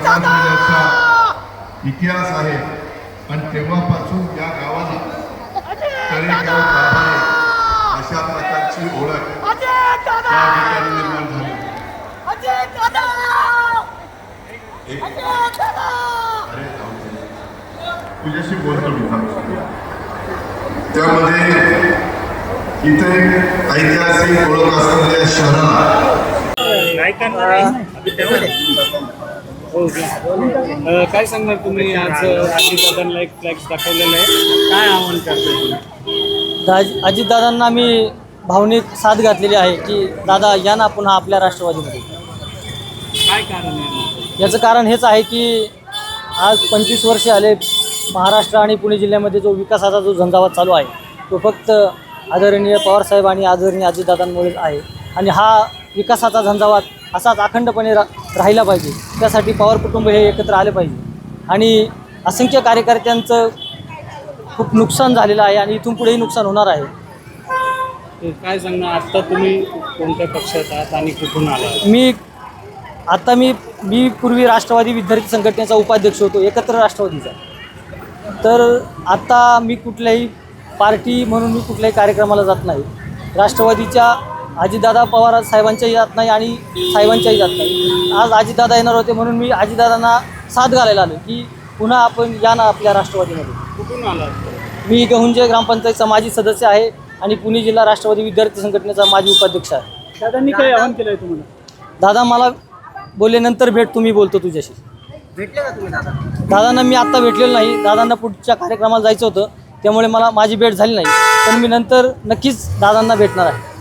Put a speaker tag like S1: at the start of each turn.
S1: पिढ्याचा इतिहास आहे आणि तेव्हापासून या गावाला तळेगाव गाभारे अशा प्रकारची ओळख त्या ठिकाणी निर्माण झाली। अरे तुझ्याशी बोलतो मी त्यामध्ये इथे ऐतिहासिक ओळख असलेल्या शहराला
S2: काय सांगणार तुम्ही? आज अजितदादांना एक फ्लॅक्स दाखवलेला आहे, काय आव्हान करता?
S3: अजितदादांना मी भावनिक साथ घातलेली आहे की दादा या ना पुन्हा आपल्या राष्ट्रवादीमध्ये।
S2: काय कारण आहे?
S3: याचं कारण हेच आहे की आज 25 वर्षे आले महाराष्ट्र आणि पुणे जिल्ह्यामध्ये जो विकासाचा जो झंझावात चालू आहे तो फक्त आदरणीय पवारसाहेब आणि आदरणीय अजितदादांमुळेच आहे आणि हा विकासाचा झंझावात असाच अखंडपणे राहिला पाहिजे। त्यासाठी पवार कुटुंब हे एकत्र आले पाहिजे आणि असंख्य कार्यकर्त्यांचं खूप नुकसान झालेलं आहे आणि इथून पुढेही नुकसान होणार आहे।
S2: काय सांगणार? आत्ता तुम्ही कोणत्या पक्षात आहात आणि कुठून आला?
S3: मी पूर्वी राष्ट्रवादी विद्यार्थी संघटनेचा उपाध्यक्ष होतो, एकत्र राष्ट्रवादीचा। तर आत्ता मी कुठल्याही पार्टी म्हणून मी कुठल्याही कार्यक्रमाला जात नाही। राष्ट्रवादीच्या अजितदादा पवार साहेबांच्याही जात नाही आणि साहेबांच्याही जात नाही। आज अजितदादा येणार होते म्हणून मी अजितदादांना साथ घालायला आलो की पुन्हा आपण या ना आपल्या राष्ट्रवादीमध्ये।
S2: कुठून आला?
S3: मी गहुंजे ग्रामपंचायतचा माजी सदस्य आहे आणि पुणे जिल्हा राष्ट्रवादी विद्यार्थी संघटनेचा माजी उपाध्यक्ष आहे।
S2: दादांनी काय आव्हान केलं आहे तुम्हाला?
S3: दादा मला बोलले नंतर भेट तुम्ही, बोलतो तुझ्याशी।
S4: भेटले का तुम्ही दादा?
S3: दादांना मी आत्ता भेटलेलो नाही, दादांना पुढच्या कार्यक्रमाला जायचं होतं त्यामुळे माझी भेट झाली नाही, पण मी नंतर नक्कीच दादांना भेटणार आहे।